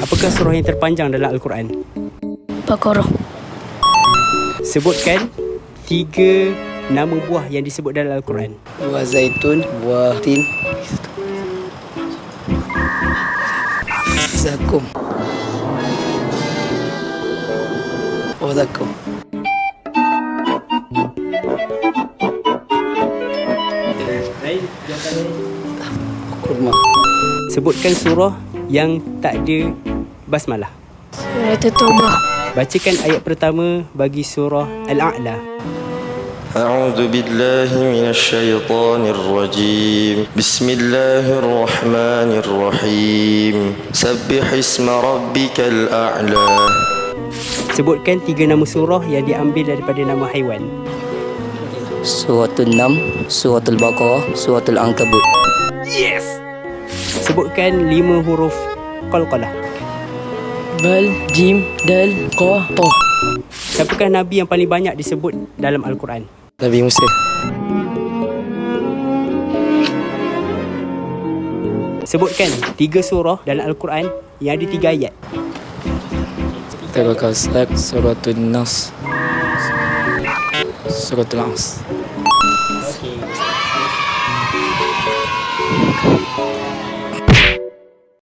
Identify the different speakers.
Speaker 1: Apakah surah yang terpanjang dalam Al-Quran?
Speaker 2: Baqarah.
Speaker 1: Sebutkan 3 nama buah yang disebut dalam Al-Quran.
Speaker 3: Buah zaitun, buah tin, zakum. Oh, zakum. Kurma.
Speaker 1: Sebutkan surah yang tak ada basmalah.
Speaker 2: Surah At-Taubah.
Speaker 1: Bacakan ayat pertama bagi surah Al-A'la.
Speaker 4: أعوذ بالله من الشيطان الرجيم بسم الله الرحمن الرحيم سبح اسم ربك الأعلى.
Speaker 1: Sebutkan 3 nama surah yang diambil daripada nama haiwan.
Speaker 3: Suratul Nam, Suratul Baqarah, Suratul Ankabut.
Speaker 1: Yes! Sebutkan 5 huruf qalqalah.
Speaker 2: Bal, Jim, Dal, Qa, Ta.
Speaker 1: Siapakah Nabi yang paling banyak disebut dalam Al-Quran?
Speaker 3: Nabi Musa.
Speaker 1: Sebutkan 3 surah dalam Al-Quran yang ada 3 ayat.
Speaker 3: Al-Kasab, Suratul Nas, Suratul As.
Speaker 1: Okey.